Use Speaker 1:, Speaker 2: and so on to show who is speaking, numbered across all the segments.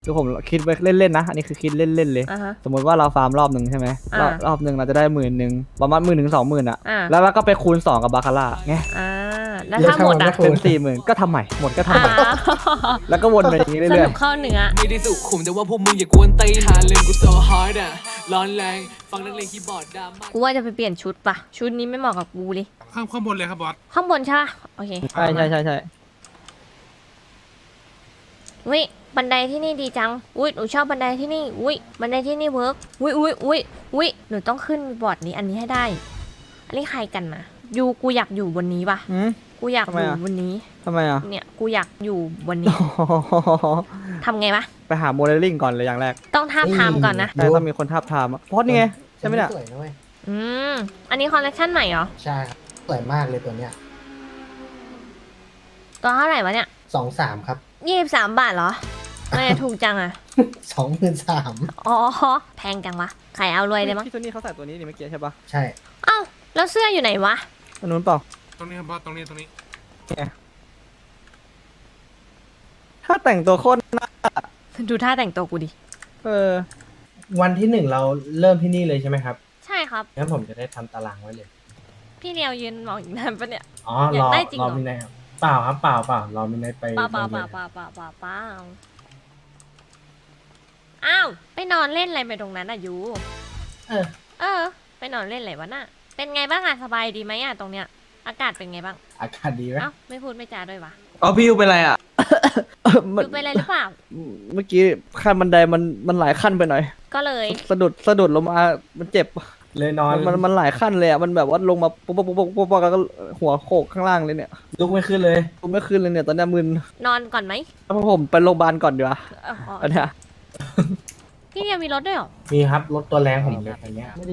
Speaker 1: คือผมคิดไว้เล่นๆนะอันนี้คือคิดเล่นๆเลยสมมติว่าเราฟาร์มรอบหนึ่งใช่ไหมรอบหนึ่งเราจะได้10,000ประมาณ10,000 ถึง 20,000อะแล้วเราก็ไปคูณ2กับบาคาร่าไง
Speaker 2: แล้วถ้าหมดอะ
Speaker 1: เป็น40,000ก็ทำใหม่หมดก็ทำใหม่แล้วก็วนไปอย่างนี้เรื่อยๆ
Speaker 2: สรุปเข้าเนื้อ
Speaker 3: ไม่ได้สุขุมแต่ว่าพวกมึงอย่ากวนตีนหาเรื่องกู so hard อะร้อนแรงฟังนักเลงคีย์บอร์ดดราม่า
Speaker 2: กูว่าจะไปเปลี่ยนชุดปะชุดนี้ไม่เหมาะกับกูเลย
Speaker 4: ข้างบนเลยครับบอส
Speaker 2: ข้างบนใช่ปะโอเค
Speaker 1: ใช่
Speaker 2: อุ้ยบันไดที่นี่ดีจังอุ้ยหนูชอบบันไดที่นี่อุ้ยบันไดที่นี่เวิร์กอุ้ยหนูต้องขึ้นบอร์ดนี้อันนี้ให้ได้อันนี้ใครกันนะกูอยากอยู่บนนี้ปะกูอยากอยู่บนนี้
Speaker 1: ทำไมอ่ะ
Speaker 2: เนี่ยกูอยากอยู่บนนี้ทำไงปะ
Speaker 1: ไปหาโมเดลลิ่งก่อนเลยอย่างแรก
Speaker 2: ต้องทาบทามก่อนนะ
Speaker 1: แต่ต้องมีคนทาบทามเพราะนี่ไงใช่ไหมเนี่ย
Speaker 5: สวยนะเว้ย
Speaker 2: อันนี้คอลเลคชันใหม่เหรอ
Speaker 5: ใช่ครับสวยมากเลยตัวเนี้ย
Speaker 2: ตัวเท่าไหร่วะเนี่ย
Speaker 5: 23ครับ
Speaker 2: 23 บาทเหรอไม่ถูกจังอ่ะ
Speaker 5: 23,000
Speaker 2: อ๋อแพงจังวะใครเอารวยเลยมั้ง
Speaker 1: พี่โทนี่เขาใส่ตัวนี้นี่เมื่อกี้ใช่ปะ
Speaker 5: ใช่
Speaker 2: เอ้าแล้วเสื้ออยู่ไหนวะ
Speaker 1: ตัวนู้นเปล่า
Speaker 4: ตรงนี้ครับบอสตรงนี้
Speaker 1: ถ้าแต่งตัวโคตรน่า
Speaker 2: ดูท่าแต่งตัวกูดิ
Speaker 5: วันที่1เราเริ่มที่นี่เลยใช่ไหมครับ
Speaker 2: ใช่ครับ
Speaker 5: งั้นผมจะได้ทำตารางไว้เลย
Speaker 2: พี่เดียวยืนมองอีกนานปะเนี่ย
Speaker 5: อ๋อรอมินายเปล่าครับเปล่ารอมินายไป
Speaker 2: เปล่าอ้าวไปนอนเล่นอะไรไปตรงนั้นอ่ะยูไปนอนเล่นอะไรวะน่ะเป็นไงบ้างอ่ะสบายดีไหมอ่ะตรงเนี้ยอากาศเป็นไงบ้าง
Speaker 5: อากาศดีไหม
Speaker 2: ไม่พูดไม่จาด้วยวะ
Speaker 1: พี่ยูเป็นไรอ่ะ
Speaker 2: ยูเป็นอะไรหรือเปล่า
Speaker 1: เมื่อกี้ขั้นบันไดมันหลายขั้นไปหน่อย
Speaker 2: ก็เลย
Speaker 1: สะดุดลงมามันเจ็บ
Speaker 5: เลยนอน
Speaker 1: มันหลายขั้นเลยอ่ะมันแบบว่าลงมาปุ๊บแล้วก็หัวโขกข้างล่างเลยเนี่ย
Speaker 5: ลุกไม่ขึ้นเลย
Speaker 1: เนี่ยตอนนี้มึน
Speaker 2: นอนก่อนไหม
Speaker 1: ผมไปโรงพยาบาลก่อนดีกว่าอันเนี้ย
Speaker 2: พี่ยังมีรถด้วยหรอ
Speaker 5: มีครับรถตัวแรงผมเลยอย่างเงี้ย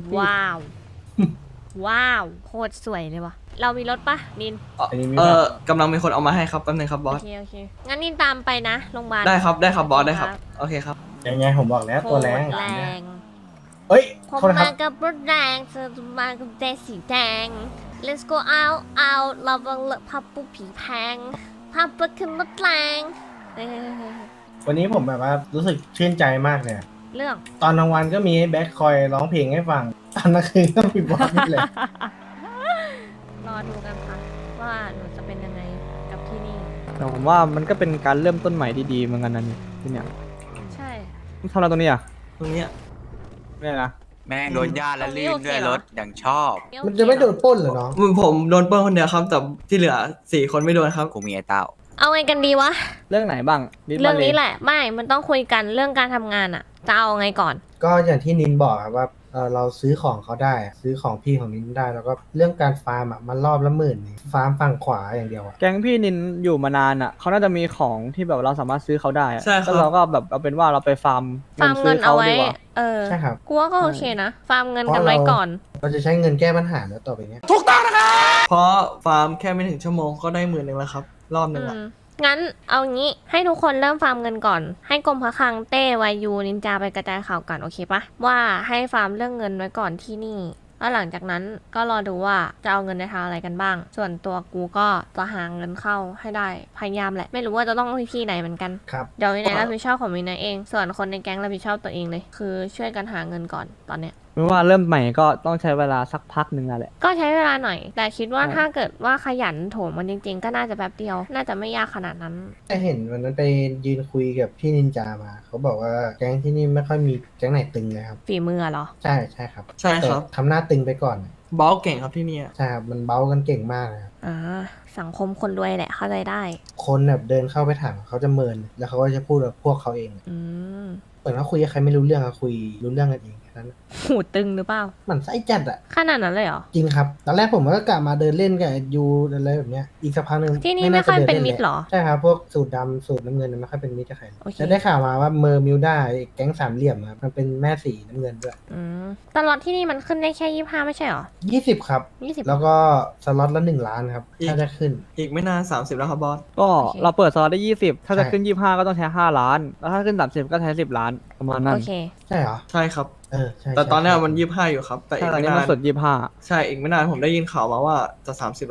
Speaker 2: ว้าวโคตรสวยเลยวะเรามีรถปะนิน
Speaker 1: กำลังมีคนเอามาให้ครับแป๊บนึงครับบอส
Speaker 2: โอเคงั้นนินตามไปนะโรงพยาบาล
Speaker 1: ได้ครับบอสได้ครับโอเคครับ
Speaker 5: ยังไงผมบอกแล้วตัวแรง
Speaker 2: เฮ้ยผมมากับรถแรงเธอมากับเจสีแดง Let's go out เราบังเลอะพับปุ๊บผีแพงพับปุ๊บขึ้นรถแรง
Speaker 5: วันนี้ผมแบบว่ารู้สึกชื่นใจมากเนี่ย
Speaker 2: เรื่อง
Speaker 5: ตอนกลางวันก็มีแบ็คคอยร้องเพลงให้ฟังตอนกลางคืนก็มีบอสนี่เลย
Speaker 2: รอดูกันค่ะว่าหนูจะเป็นยังไงกับที่นี่
Speaker 1: แต่ผมว่ามันก็เป็นการเริ่มต้นใหม่ดีๆเหมือนกันนะนี่ที่เนี่ย
Speaker 2: ใช่
Speaker 1: ทำอะไรตรงนี้อ่ะตรงนี้ไม่นะ
Speaker 6: แม่งโดนญาติและลื่นด้วยรถอย่างชอบ
Speaker 5: มันจะไม่โดนปล้นเหรอน้อง
Speaker 1: ผมโดนปล้นคนเดียวครับแต่ที่เหลือ4 คนไม่โดนครับ
Speaker 6: กูมีไอ้เต้า
Speaker 2: เอาไงกันดีวะ
Speaker 1: เรื่องไหนบ้าง
Speaker 2: เรื่องนี้แหละไม่มันต้องคุยกันเรื่องการทำงานอะจะเอาไงก่อน
Speaker 5: ก็อย่างที่นินบอกครับว่าเราซื้อของเขาได้ซื้อของพี่ของนินได้แล้วก็เรื่องการฟาร์มอ่ะมันรอบละ10,000ฟาร์มฝั่งขวาอย่างเดียวอ่ะ
Speaker 1: แก๊งพี่นินอยู่มานานอ่ะเขาน่าจะมีของที่แบบเราสามารถซื้อเขาได้ใช่ครับเราก็แบบเอาเป็นว่าเราไปฟาร์ม
Speaker 2: เงินเอาไว้
Speaker 5: ใช่ครับ
Speaker 2: กูว่าก็โอเคนะฟาร์มเงินกันไว้ก่อน
Speaker 5: เราจะใช้เงินแก้ปัญหาแล้วต่อไปเนี้ย
Speaker 1: ถูกต้องนะครับเพราะฟาร์มแค่ไม่ถึงชั่วโมงก็ได้10,000แล้วครับรอบนึงอ่ะ
Speaker 2: งั้นเอางี้ให้ทุกคนเริ่มฟาร์มเงินก่อนให้กรมพระคลังเต้วายูนินจาไปกระจายข่าวกันโอเคปะว่าให้ฟาร์มเรื่องเงินไว้ก่อนที่นี่แล้วหลังจากนั้นก็รอดูว่าจะเอาเงินในทางอะไรกันบ้างส่วนตัวกูก็จะหาเงินเข้าให้ได้พยายามแหละไม่รู้ว่าจะต้องวิธีไหนเหมือนกันเดี๋ยววินัยรับผิดชอบของวินัยเองส่วนคนในแก๊งรับผิดชอบตัวเองเลยคือช่วยกันหาเงินก่อนตอนเนี้ย
Speaker 1: ไม่ว่าเริ่มใหม่ก็ต้องใช้เวลาสักพักหนึ่งแหละ
Speaker 2: ก็ใช้เวลาหน่อยแต่คิดว่าถ้าเกิดว่าขยันโถมมันจริงๆก็น่าจะแป๊บเดียวน่าจะไม่ยากขนาดนั้น
Speaker 5: แต่เห็นวันนั้นไปยืนคุยกับพี่นินจามาเขาบอกว่าแก๊งที่นี่ไม่ค่อยมีแก๊งไหนตึงเลยครับ
Speaker 2: ฝีมือเหรอ
Speaker 5: ใช่ครับ
Speaker 1: ใช่ครับ
Speaker 5: ทำหน้าตึงไปก่อน
Speaker 1: เบ้าเก่งครับที่นี่
Speaker 5: ใช่ครับมันเบ้ากันเก่งมากครับ
Speaker 2: สังคมคนรวยแหละเข้าใจได้
Speaker 5: คนแบบเดินเข้าไปถามเขาจะเมินแล้วเขาก็จะพูดกับพวกเขาเองเหมือนว่าคุยกับใครไม่รู้เรื่องอะคุยรู้เรื่องกันเอง
Speaker 2: หูตึงหรือเปล่า
Speaker 5: มันไส้จัดอะ
Speaker 2: ขนาดนั้นเลยเหรอ
Speaker 5: จริงครับตอนแรกผมก็กลับมาเดินเล่นกับยูอะไรแบบเนี้ยอีกสักพักนึง
Speaker 2: ที่นี่ไม่ค่อยเป็นมิตรหรอ
Speaker 5: ใช่ครับพวกสูตรดำสูตรน้ำเงินไม่ค่อยเป็นมิตรกับใครจะได้ข่าวมาว่าเมอร์มิวด้าแก๊ง3 เหลี่ยมครับมันเป็นแม่สีน้ำเงินด้วย
Speaker 2: ตลอดที่นี่มันขึ้นได้แค่25ไม่ใช่หรอ
Speaker 5: 20ครับ20แล้วก็สล็อตละ1 ล้านครับถ้าจะขึ้น
Speaker 1: อีกไม่นาน30แล้วครับบอสก็เราเปิดสล็อตได้20ถ้าจะขึ้น25ก็ต้องใช้5 ล้านแล้วถ้าขึ้น30ก็ใช้10 ล้านประมาณนั้น
Speaker 2: โอเค
Speaker 5: ใช่เหรอ
Speaker 1: ใช่ครับ
Speaker 5: ใช่
Speaker 1: แต่ตอนนี้มัน25อยู่ครับแต่อีกไม่นานมันสด25ใช่อีกไม่นานผมได้ยินข่าวมาว่าจะ30แล้วครับ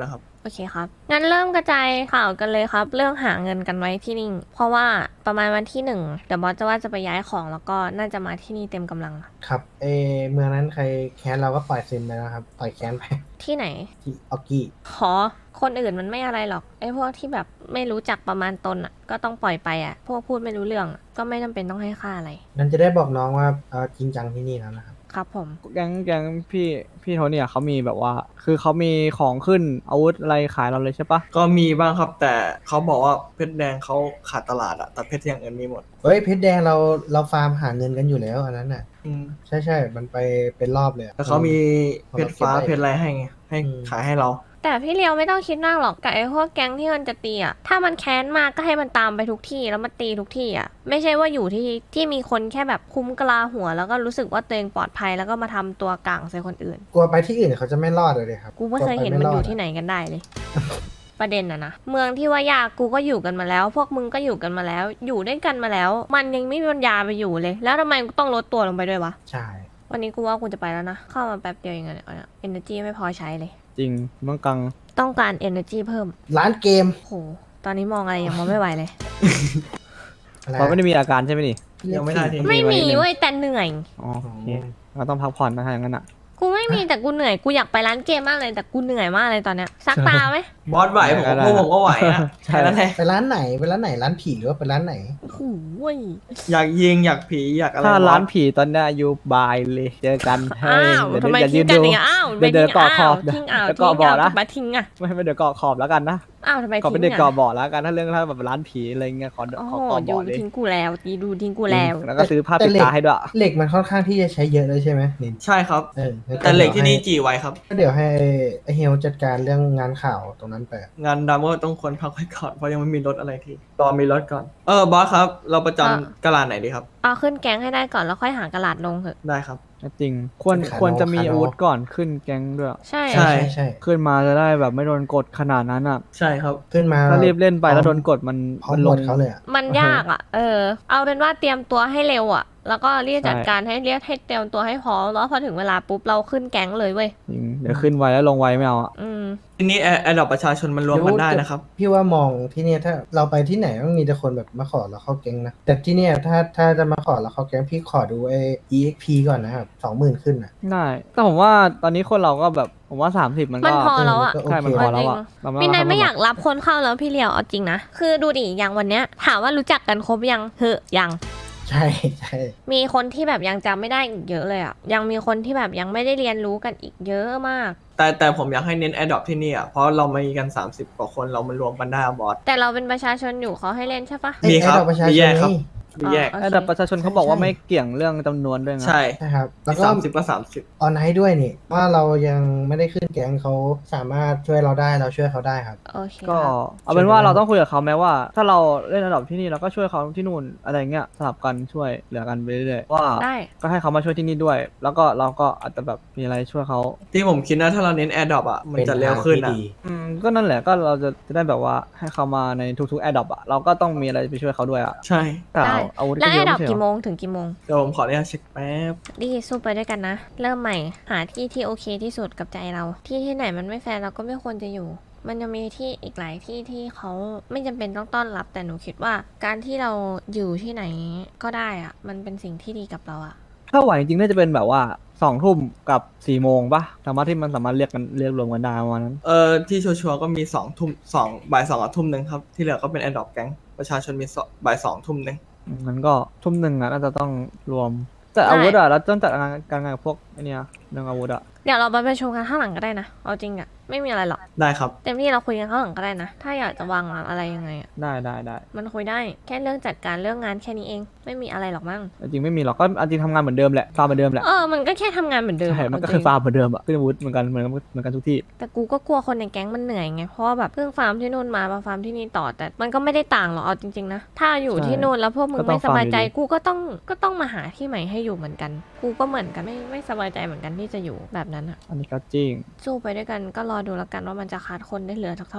Speaker 2: โอเคครับงั้นเริ่มกระจายข่าวกันเลยครับเรื่องหาเงินกันไว้ที่นี่เพราะว่าประมาณวันที่1เดี๋ยวบอสจะว่าจะไปย้ายของแล้วก็น่าจะมาที่นี่เต็มกำลัง
Speaker 5: ครับเมืองนั้นใครแค้นเราก็ปล่อยเซนไปแล้วครับปล่อยแค้นไป
Speaker 2: ที่ไหน
Speaker 5: ที่ออกกี้
Speaker 2: ขอคนอื่นมันไม่อะไรหรอกไอ้พวกที่แบบไม่รู้จักประมาณตนอ่ะก็ต้องปล่อยไปอ่ะพวกพูดไม่รู้เรื่องอะก็ไม่จำเป็นต้องให้ค่าอะไร
Speaker 5: นั่นจะได้บอกน้องว่าจริงจังที่นี่แล้วนะครับ
Speaker 2: ครับผม
Speaker 1: แก๊งพี่โทเนี่ยเขามีแบบว่า คือเขามีของขึ้นอาวุธอะไรขายเราเลยใช่ปะ
Speaker 7: ก็มีบ้างครับแต่เขาบอกว่าเพชรแดงเขาขาดตลาดอะแต่เพชรอย่างอื่นมีหมด
Speaker 5: เฮ้ยเพชรแดงเราฟาร์มหาเงินกันอยู่แล้วอันนั้นน่ะ
Speaker 7: อืม
Speaker 5: ใช่มันไปเป็นรอบเลยอะ
Speaker 7: แต่เขามีเพชรฟ้าเพชรอะไรให้ไงให้ขายให้เรา
Speaker 2: แต่พี่เลียวไม่ต้องคิดมากหรอกกับไอ้พวกแก๊งที่มันจะตีอ่ะถ้ามันแค้นมากก็ให้มันตามไปทุกที่แล้วมาตีทุกที่อ่ะไม่ใช่ว่าอยู่ที่มีคนแค่แบบคุ้มกะลาหัว แล้วก็รู้สึกว่าตัวเองปลอดภัยแล้วก็มาทำตัวกลางใส่คนอื่น
Speaker 5: กลัวไปที่อื่นเขาจะไม่รอดเลยครับ
Speaker 2: กูไม่เคยเห็นมันอยู่ที่ไหนกันได้เลย ประเด็นอะนะเมืองที่ว่ายากกูก็อยู่กันมาแล้ว พวกมึงก็อยู่กันมาแล้ว อยู่ด้วยกันมาแล้ว มันยังไม่มีปัญญาไปอยู่เลย แล้วทำไมกูต้องลดตัวลงไปด้วยวะ
Speaker 5: ใช่
Speaker 2: วันนี้กูว่ากูจะไปแล้วนะเข้ามาแป๊บเดียวเองอะเนี่ย energy ไม่พอใช้เลย
Speaker 1: จริงมังกัง
Speaker 2: ต้องการ energy เพิ่ม
Speaker 5: ร้านเกม
Speaker 2: โหตอนนี้มองอะไรยังมองไม่ไหวเลย
Speaker 5: อะไร
Speaker 1: เราไม่ได้มีอาการใช่ไหมนี่
Speaker 7: ยังไม่ได้ที
Speaker 2: ไม่มีเว้ยแต่เหนื่อย
Speaker 1: อ๋อโอเคเราต้องพักผ่อนนะถ้าอย่างนั้นอ่ะ
Speaker 2: กูไม่มีแต่กูเหนื่อยกูอยากไปร้านเกมมากเลยแต่กูเหนื่อยมากเลยตอนเนี้ยซักตาไหม
Speaker 7: บอสไหวผมพวกผมก็ไหวอะ
Speaker 1: ใช่
Speaker 7: แค่นั้นแหละ
Speaker 5: ไปร้านไหนร้านผีหรือว่าไปร้านไหน
Speaker 2: โอ้โหย
Speaker 7: อยากยิงอยากผีอยากอะไร
Speaker 1: ถ้า
Speaker 7: บอส
Speaker 1: ร้านผีตอนเนี้ยอยู่บายเลยเจอกัน
Speaker 2: อ้าว
Speaker 1: เดี๋ยว
Speaker 2: ทำไม
Speaker 1: เดี๋ยว
Speaker 2: ทิ้
Speaker 1: ยื
Speaker 2: ง
Speaker 1: น
Speaker 2: กัน
Speaker 1: ดู
Speaker 2: อย่างเงี้ยอ้าว
Speaker 1: เดี๋ยวเดินเกาะขอบ
Speaker 2: ทิ้งอ้าว
Speaker 1: แล้ว
Speaker 2: ทิ้
Speaker 1: เกาะ
Speaker 2: ง
Speaker 1: บ่อ
Speaker 2: อ้าว
Speaker 1: นะ
Speaker 2: มาทิ้งอ่ะ
Speaker 1: ไม่เดี๋ยวเกาะขอบแล้วกันนะ
Speaker 2: อ้าวทำไม
Speaker 1: ขอ
Speaker 2: ทิ้
Speaker 1: เป็น
Speaker 2: ง
Speaker 1: เด็ก
Speaker 2: อ่ะ
Speaker 1: เกาะบ่อแล้วกันถ้าเรื่องถ้าแบบร้านผีอะไรเงี้ยขอ
Speaker 2: โอ้
Speaker 1: ขอ
Speaker 2: โห
Speaker 1: เกาะ
Speaker 2: ยู
Speaker 1: บ่อเลย
Speaker 2: ทิ้งกูแล้วดูทิ้งกูแล้ว
Speaker 1: แล้วก็ซื้อผ้าปิดตาให้ด้วย
Speaker 5: เหล็กมันค่อนข้างที่จะใช้เยอะเลยใช่ไหมนิน
Speaker 7: ใช่ครับ
Speaker 5: งั้น
Speaker 7: แต่เหล็กที่นี่จีไว้ครับ
Speaker 5: ก็เดี๋ยวให้ไอเฮลจัดการเรื่องงานข่าวตรงนั้นไป
Speaker 7: งานดำก็ต้องควรพักไว้ก่อนเพราะยังไม่มีรถอะไรที่รอมีรถก่อนบอสครับ เราประจำกะลาไหนดีครับ
Speaker 2: เอาขึ้นแก๊งให้ได้ก่อนแล้วค่อยหากระดาษลงเถอะ
Speaker 7: ได้ครับ
Speaker 1: จริงควรจะมีอาวุธก่อนขึ้นแก๊งด้วย
Speaker 2: ใช่
Speaker 7: ใช่
Speaker 5: ใช่
Speaker 1: ขึ้นมาจะได้แบบไม่โดนกดขนาดนั้นอ่ะ
Speaker 7: ใช่ครับ
Speaker 5: ขึ้นมา
Speaker 1: ถ้ารีบเล่นไปแล้วโดนกดมัน
Speaker 5: พร้อ
Speaker 1: มั
Speaker 5: ม
Speaker 1: น
Speaker 5: ห
Speaker 1: ล
Speaker 5: ม
Speaker 1: ง
Speaker 5: ดเขาเลยอะ
Speaker 2: มันยากอ่ะเอาเป็นว่าเตรียมตัวให้เร็วอ่ะแล้วก็รีบจัด
Speaker 1: ใช่
Speaker 2: การให้เรียกให้เตรียมตัวให้พร้อมแล้วพอถึงเวลาปุ๊บเราขึ้นแก๊งเลยเว้ย
Speaker 1: จริงเดี๋ยวขึ้นไวแล้วลงไวไม่เอาอ่ะ
Speaker 7: ทีนี้แอร์ดรอปประชาชนมันรวมกันได้นะครับ
Speaker 5: พี่ว่ามองที่เนี่ยถ้าเราไปที่ไหนต้องมีแต่คนแบบมาขอเราเข้าแก๊งนะแต่ที่เนี่ยถ้าจะมาขอเราเข้าแก๊งพี่ขอดูEXP ก่อนนะครับ20,000ขึ้นอ่ะ
Speaker 1: ได้แต่ผมว่าตอนนี้คนเราก็แบบผมว่า30มัน
Speaker 2: มัน
Speaker 1: ก็
Speaker 2: พอแล้วอ่ะ
Speaker 1: ใช่มันพอแล้วอ่ะเรา
Speaker 2: พี่นาย
Speaker 1: ทำ
Speaker 2: ไม่อยากรับคนเข้าแล้วพี่เลียวเอาจริงนะคือดูดิอย่างวันเนี้ยถามว่ารู้จักกันครบยังยัง
Speaker 5: ใช่
Speaker 2: มีคนที่แบบยังจำไม่ได้อีกเยอะเลยอ่ะยังมีคนที่แบบยังไม่ได้เรียนรู้กันอีกเยอะมาก
Speaker 7: แต่ผมอยากให้เน้นแอร์ดรอปที่นี่อ่ะเพราะเรามีกัน30กว่าคนเรามันรวมกันได้อะบอส
Speaker 2: แต่เราเป็นประชาชนอยู่เขาให้เล่นใช่ปะ
Speaker 7: มีครับ
Speaker 5: ไอ้ดอกประชา
Speaker 7: มี
Speaker 5: ช
Speaker 7: แย
Speaker 5: น
Speaker 7: กครับ
Speaker 5: นี่
Speaker 7: มีแยก
Speaker 2: โอเค
Speaker 1: แต่ประชาชนเขาบอกว่าไม่เกี่ยงเรื่องจำนวนด้วยนะ
Speaker 7: ใช่
Speaker 5: ใช่ครับแล้วก็
Speaker 7: 30ก็30
Speaker 5: ออนไลน์ด้วยนี่ว่าเรายังไม่ได้ขึ้นแก๊งเขาสามารถช่วยเราได้เราช่วยเขาได้ครับ
Speaker 2: โอเค
Speaker 1: ก็
Speaker 2: ครับ
Speaker 1: เอาเป็นว่าเราต้องคุยกับเขาแม้ว่า ถ้าเราเล่นระดับที่นี่เราก็ช่วยเขาที่นู่นอะไรเงี้ยสลับกันช่วยเหลือกันไปเรื่อยๆว่า
Speaker 2: ได้
Speaker 1: ก็ให้เขามาช่วยที่นี่ด้วย แล้วก็เราก็อาจจะแบบมีอะไรช่วยเขา
Speaker 7: ที่ผมคิดนะถ้าเราเน้นแอร์ดรอปอ่ะมันจะเร็วขึ้นอ่ะ
Speaker 1: ก็นั่นแหละก็เราจะได้แบบว่าให้เขามาในทุกๆแอดดอปอ่ะเราก็ต้องมีอะไรไปช่วยเขาด้วยอ่ะ
Speaker 7: ใช่
Speaker 1: แต่
Speaker 2: ได้
Speaker 1: อาวุธ
Speaker 2: แล้ว
Speaker 1: ก็
Speaker 2: ไอ้
Speaker 1: เยอะ
Speaker 2: ดับ
Speaker 1: ไม่ใช่
Speaker 2: กี่
Speaker 1: เห
Speaker 2: โม
Speaker 1: รอ
Speaker 2: งถึงกี่โมง
Speaker 7: เดี๋ยวผมขออนุญาตเช็คแป๊บ
Speaker 2: ดีสู้ไปด้วยกันนะ เริ่มใหม่หาที่ที่โอเคที่สุดกับใจเรา ที่ไหนมันไม่แฟร์เราก็ไม่ควรจะอยู่ มันจะมีที่อีกหลายที่ที่เขาไม่จำเป็นต้องต้อนรับ แต่หนูคิดว่า การที่เราอยู่ที่ไหนก็ได้อะมันเป็นสิ่งที่ดีกับเราอะ
Speaker 1: ถ้าไหวจริงๆน่าจะเป็นแบบว่า2 ทุ่มกับ4 โมงปะสามารถที่มันสามารถเรียกรวมกันได้ประมาณนั้น
Speaker 7: ที่ชัวร์ๆก็มี2 ทุ่มบ่าย2กับทุ่มหนึ่งครับที่เหลือก็เป็นแอร์ดรอปแก๊งประชาชนมีบ่าย2 ทุ่มหนึ่ง
Speaker 1: มันก็ทุ่มหนึ่งอ่ะน่าจะต้องรวม แต่อาวุธอ่ะเราต้องจัดการงานกับพวกไอเนี้ยเรื่องอาวุธอ่ะ
Speaker 2: เดี๋ยวเราไปประชุมกันข้างหลังก็ได้นะเอาจริงอะไม่มีอะไรหรอก
Speaker 7: ได้ครับ
Speaker 2: เต็มที่เราคุยกันข้างหลังก็ได้นะ ถ้าอยากจะวางอะไรยังไงอะ
Speaker 1: ได้
Speaker 2: มันคุยได้แค่เรื่องจัดการเรื่องงานแค่นี้เองไม่มีอะไรหรอกมั้ง
Speaker 1: จริงๆไม่มีหรอกก็จริงทำงานเหมือนเดิมแหละฟาร์มเหมือนเดิมแหละ
Speaker 2: มันก็แค่ทำงานเหมือนเดิม
Speaker 1: ใช่
Speaker 2: อะ
Speaker 1: มันก็
Speaker 2: เอาจ
Speaker 1: คื
Speaker 2: ริ
Speaker 1: อง ฟาร์มเหมือนเดิมอ่ะขึ้นอาวุธเหมือนกันทุกที่
Speaker 2: แต่กูก็กลัวคนในแก๊งมันเหนื่อยไง เพราะว่าแบบเพิ่งฟาร์มที่นู่นมาฟาร์มที่นี่ต่อ แต่มันก็ไม่ได้ต่างหรอกเอาจริงๆนะ ถ้าอยู่ที่นู่นแล้วพวกมึงไม่สบายใจกูก็ต้องมาหาที่ใหม่ให้อยู่เหมือนกัน กูก็เหมือนกันไม่สบายใจเหมือนกันที่จะอยู่แบบนั้นอะ
Speaker 1: อันนี้ก็จริง
Speaker 2: สู้ไปด้วยกันก็รอดูแล้วกันว่ามันจะคัดคนได้เหลือสักเท่าไหร่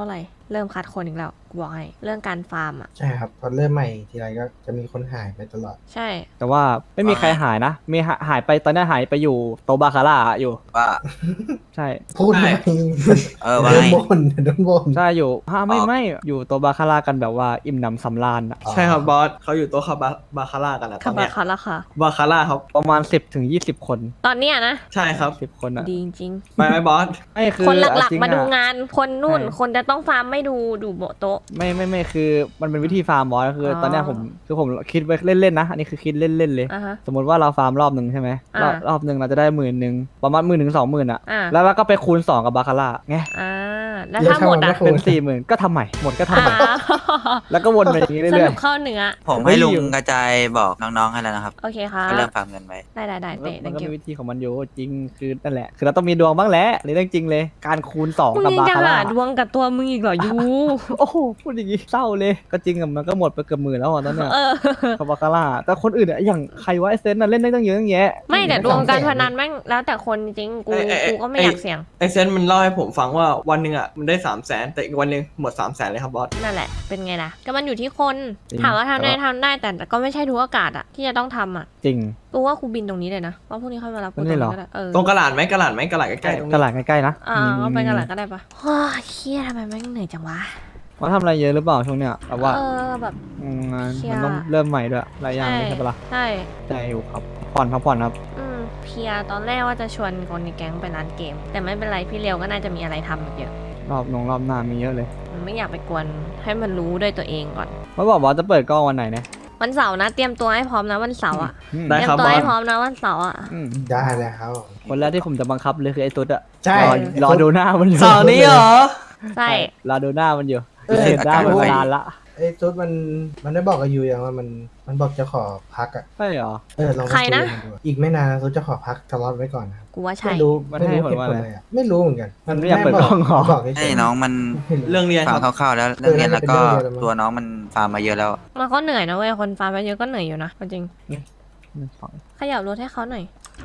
Speaker 2: เริ่มคัดคนอีกแล้วกูบอกให้เรื่องการฟาร์มอ่ะ
Speaker 5: ใช่ครับพอเริ่มใหม่ทีไรก็จะมีคนหายไปตลอด
Speaker 2: ใช่
Speaker 1: แต่ว่าไม่มีใครหายนะมีหายไปตอนนี้หายไปอยู่โตบาคาร่าอยู่
Speaker 6: ว่า
Speaker 1: ใช่
Speaker 5: พูดไม่
Speaker 6: ว่า
Speaker 5: โดน
Speaker 6: ไง
Speaker 5: บนโดนบน
Speaker 1: ใช่อยู่ไม่
Speaker 6: อ๋อ
Speaker 1: ไม่อยู่โตบาคาร่ากันแบบว่าอิ่มหนำสำราญอะ
Speaker 7: ใช่ครับบอสเขาอยู่โต๊ะบาคาร่ากันนะต
Speaker 2: คั
Speaker 7: อบ น
Speaker 2: บา
Speaker 7: เนี้ย
Speaker 2: คาร่าค่ะ
Speaker 7: บาคาร่าครับ
Speaker 1: ประมาณ10 ถึง 20 คน
Speaker 2: ตอนเนี้ยนะ
Speaker 7: ใช่ครับ
Speaker 1: 10 คนอะ
Speaker 2: ดีจริง
Speaker 7: ไปไหมบอส
Speaker 1: ไม่คือ
Speaker 2: คนหลัก
Speaker 1: จริ
Speaker 2: ๆ มาดู
Speaker 1: อะ
Speaker 2: งาน คนนู่น
Speaker 1: ใช่
Speaker 2: คนจะต้องฟาร์มไม่ดูโบโต๊ะ
Speaker 1: ไม่คือมันเป็นวิธีฟาร์มบอสคืออ
Speaker 2: อ
Speaker 1: ตอนเนี้ยผมคิดไว้เล่นๆนะอันนี้คือคิดเล่นๆเลย
Speaker 2: อ่ะฮะ
Speaker 1: สมมติว่าเราฟาร์มรอบหนึ่งใช่ไหม รอบหนึ่งเราจะได้10,000ประมาณ10,000 ถึง 20,000อะ
Speaker 2: อ่ะ
Speaker 1: แล้วเราก็ไปคูณ 2 กับบาคาร่าไง
Speaker 2: อ่าแล้วถ้าหมดอ่ะ
Speaker 1: เป็น 40,000 ก็ทำใหม่หมดก็ทำใหม่ แล้วก็วนไปอย่างนี้
Speaker 2: ส
Speaker 1: เรื่
Speaker 2: รุ
Speaker 1: อย
Speaker 2: ปเข้าเนื้อ
Speaker 6: ผมให้ลุงกระจายบอกน้องๆให้แล้วนะครับ
Speaker 2: โอเคค่ะ
Speaker 6: ก็เริ่มฟาร์มเงินไว้
Speaker 2: ได้
Speaker 1: ๆ
Speaker 2: เตะ
Speaker 1: มัน
Speaker 2: thank
Speaker 1: ก็
Speaker 2: you
Speaker 1: มีวิธีของมันอยู่จริงคือนั่นแหละคือเราต้องมีดวงบ้างแหละในเรื่องจริงเลยการคูณ 2
Speaker 2: มึง
Speaker 1: กับ
Speaker 2: ยัง
Speaker 1: บา
Speaker 2: จะ
Speaker 1: คาร่า
Speaker 2: หาดวงกับตัวมึงอีกเหรอยู
Speaker 1: โอ้โหพูดอย่างงี้เศร้าเลยก็จริงอะมันก็หมดไปเกือบ10,000แล้วอ่ะตอนเนี้ย
Speaker 2: เออ
Speaker 1: กับบาคาร่าแต่คนอื่นอะอย่างใครวะไอเซนน่ะเล่นได้ตั้งเยอะตั้งแยะ
Speaker 2: ไม่แต่ดวงการพนันแม่งแล้วแต่คนจริงกู
Speaker 7: เอ้ย
Speaker 2: กูก็ไม่อยากเสี่ยง
Speaker 7: ไอเซนมันเล่าให้ผมฟังว่าวันหนึ่งอ่ะมันได้300,000แต่อีกวันหนึ่งหมด300,000เลยครับบอส
Speaker 2: นั่นแหละเป็นไงล่ะก็มันอยู่ที่คนถามว่าทำได้แต่ก็ไม่ใช่ทุกโอกาสอะที่จะต้องทำอะ
Speaker 1: จริง
Speaker 2: กูว่ากูบินตรงนี้เลยนะว่าพรุ่งนี้ค่อยมารับกู
Speaker 1: ต
Speaker 2: ต
Speaker 1: ร
Speaker 2: รง ง
Speaker 1: นี้เหรอ
Speaker 2: นี้ก็ได้เออ
Speaker 7: ตรงกระหลาดไหมกระหลาดใกล้ๆตรง
Speaker 1: ต
Speaker 7: นี้
Speaker 1: ลาดใกล้ๆนะ
Speaker 2: ก็ไปกันหลังก็ได้ปะว้าเครียดทำไมแม่งเหนื่อยจังวะ
Speaker 1: ว่าทำอะไรเยอะหรือเปล่าช่วงเนี้ยแบบว่า
Speaker 2: แบบ
Speaker 1: งาน
Speaker 2: เครียด
Speaker 1: มันต้องเริ่มใหม่ด้วยหลายอย่างเลยใช่ปะล่ะ
Speaker 2: ใช่
Speaker 1: ใจอยู่ครับพักผ่อนครับ
Speaker 2: เพลียตอนแรกว่าจะชวนคนในแก๊งไปร้านเกม แต่ไม่เป็นไรพี่เลียวก็น่าจะมีอะไรทำอีกเยอะ
Speaker 1: รอบหน้ามีเยอะเลย
Speaker 2: มันไม่อยากไปกวนให้มันรู้ด้วยตัวเองก่อน
Speaker 1: เขาบอกว่าจะเปิดกล้องวันไหนเนี่ย
Speaker 2: วันเสาร์นะเตรียมตัวให้พร้อมนะวันเสาร์อะ
Speaker 1: อืม
Speaker 7: ได้
Speaker 2: เตรีย
Speaker 7: ครับ
Speaker 2: มตัว
Speaker 7: บอ
Speaker 2: ให้
Speaker 7: ส
Speaker 2: พร้อมนะวันเสาร์อะ
Speaker 1: อืม
Speaker 5: ได้เลยครับ
Speaker 1: คนแรกที่ผมจะบังคับเลยคือไอ้ตุ๊ดอะ
Speaker 5: ใช่
Speaker 1: รอดูหน้ามันอยู่
Speaker 7: เสาร์นี้เหรอ
Speaker 2: ใช่
Speaker 1: รอดูหน้ามันอยู่
Speaker 5: เออ
Speaker 1: เห็นหน้ามัน
Speaker 6: อาการ
Speaker 1: นานละ
Speaker 5: ไอ้ตุ๊ดมันได้บอกกับยูยังว่ามันบอกจะขอพักอ่ะ
Speaker 1: ใช่เหรอ
Speaker 5: ลองไปคุยกับมันดูอีกไม่นานตุ๊ดจะขอพักสล็อตไว้ก่อนนะครับ
Speaker 2: กูว่าใช่
Speaker 5: ไม่รู้
Speaker 1: มันให้
Speaker 5: ไม่รู้
Speaker 1: ผล
Speaker 5: เหตุ
Speaker 1: ว่า
Speaker 5: ผล
Speaker 1: อะไร
Speaker 5: อะไรอ่ะไม่รู้เหมือนกัน
Speaker 1: มันไม่อยากเปิดกล้องเหรอ
Speaker 5: บอกเฉ
Speaker 6: ให้
Speaker 5: ยๆ
Speaker 6: น้องมัน
Speaker 5: ไม่รู้
Speaker 7: เรื่องเรียน
Speaker 6: ฟั
Speaker 7: ค
Speaker 6: ง
Speaker 7: รับ
Speaker 6: คร่าวๆแล้วเรื่องเรียนแล้วก็
Speaker 5: เออน่าจะเป็นเรื่องเรียนแล้วมั้ง
Speaker 6: ตัวน้องมันฟาร์มมาเยอะแล้ว
Speaker 2: มันก็เหนื่อยนะเว้ยคนฟาร์มไปเยอะก็เหนื่อยอยู่นะจริง
Speaker 1: สอง
Speaker 2: ขยับรถให้เขาหน่อย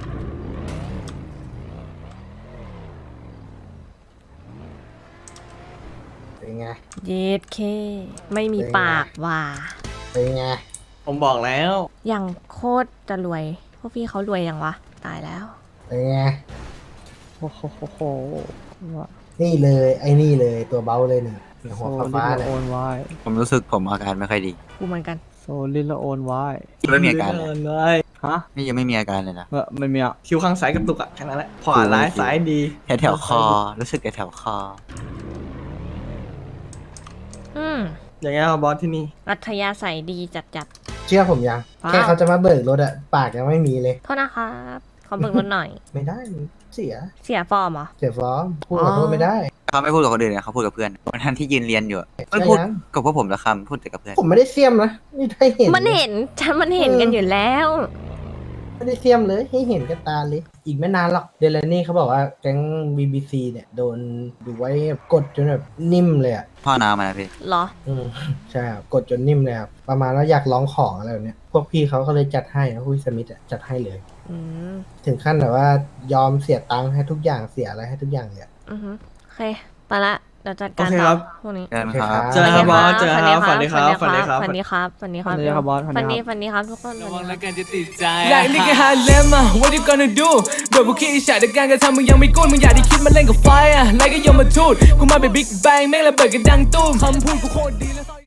Speaker 5: เป็นไง
Speaker 2: เย็ดเค ไม่มีปากว่า
Speaker 5: เป็นไง
Speaker 7: ผมบอกแล้ว
Speaker 2: อย่างโคตรจะรวย พวกพี่เขารวยยังวะ ตายแล้ว
Speaker 5: เป็นไง
Speaker 1: โอ้โหว่า
Speaker 5: นี่เลยไอ้นี่เลยตัวเบาเลยเนี่ยหัว
Speaker 1: โซ
Speaker 5: ฟ้า
Speaker 1: ลิ
Speaker 5: ๆ
Speaker 1: ล
Speaker 5: เนี่ย
Speaker 1: โอนไว้
Speaker 6: ผมรู้สึกผมอาการไม่ค่อยดี
Speaker 2: กูเหมือนกัน
Speaker 1: โซลิลโอนไว้
Speaker 6: ไม่มีอาการเลย
Speaker 7: เลย
Speaker 1: ฮะ
Speaker 6: นี่ยังไม่มีอาการเลยนะ
Speaker 1: ไม่มีอ่ะ
Speaker 7: คิ้วข้างซ้ายกระตุกอ่ะแค่นั้นแหละขวาร้ายซ้ายดี
Speaker 6: แถวๆคอ รู้สึกแถวๆคอ
Speaker 2: อืม
Speaker 7: อย่างเงี้ยครับบอสที่นี่
Speaker 2: อัธยาศัยดีจัด
Speaker 5: เชื่อผมยัง
Speaker 2: ว้าว
Speaker 5: แค่เขาจะมาเบิกรถอะปากยังไม่มีเลย
Speaker 2: ๆโทษนะครับ ขอเบิกรถหน่อย
Speaker 5: ไม่ได้เสีย
Speaker 2: เสียฟอร์มเหรอ
Speaker 5: เสียฟ้องพูดขอโทษไม่ได้
Speaker 6: เขาไม่พูดกับคนอื่นนะเขาพูดกับเพื่อนวันนั้นที่ยืนเรียนอยู่อะมัน
Speaker 5: ใช่
Speaker 6: พูด
Speaker 5: ยัง
Speaker 6: กับพวกผมละคำพูดแต่กับเพื่อน
Speaker 5: ผมไม่ได้เสียมนะนี่ได้เห็น
Speaker 2: มันเห็น ฉันมันเห็นกันอยู่แล้ว
Speaker 5: ไม่ได้เสียมเลยให้เห็นกับตาเลย อีกไม่นานหรอกเดลนี่เขาบอกว่าแก๊ง BBC เนี่ยโดนดูไว้กดจนแบบนิ่มเลยอะ
Speaker 6: พ่อน้ำมานะพี่
Speaker 2: เหรอ
Speaker 5: ใช่ครับกดจนนิ่มเลยครับประมาณว่าอยากร้องของอะไรแบบเนี้ยพวกพี่เขาก็เลยจัดให้นะพี่สมิธอะจัดให้เลย
Speaker 2: อืม
Speaker 5: ถึงขั้นแบบว่ายอมเสียตังค์ให้ทุกอย่างเสียอะไรให้ทุกอย่างเลยอะ
Speaker 2: อือฮึโอเค ไปละ เดี๋ยวจัดการ
Speaker 7: โอเค
Speaker 2: ต่
Speaker 7: ครั
Speaker 2: อบ พวกนี้
Speaker 6: เจอกันครับ
Speaker 7: เจอกันครับบอสเจอกันครับฝันดีครับ
Speaker 2: ฝั
Speaker 7: ฝั
Speaker 2: น
Speaker 7: น
Speaker 2: ดี
Speaker 7: ดี
Speaker 2: ค
Speaker 7: ค
Speaker 2: รั
Speaker 7: รั
Speaker 2: บบ ฝันดีครับฝันดีครับ
Speaker 1: ฝันดีครับบอสฝั
Speaker 2: ฝั
Speaker 1: น
Speaker 2: น
Speaker 1: ดี
Speaker 2: ดี
Speaker 1: ครับ
Speaker 2: ฝันดีครับทุกคน
Speaker 3: ระ
Speaker 2: ฝั
Speaker 3: วัน ง
Speaker 2: ดี
Speaker 3: แล้วกันจะติดใจอยากนี่แค่ฮาเลมอะ what you gonna do โดนพวกขี้อิจฉาแต่การกระทำมึงยังไม่กู้มึงอยากได้คิดมาเล่นกับไฟอะไล่ก็ยมมาทูดกูมาเป็นบิ๊กแบงแม่งระเบิดกันดังตุ้มคำพูดกูโคตรดีและ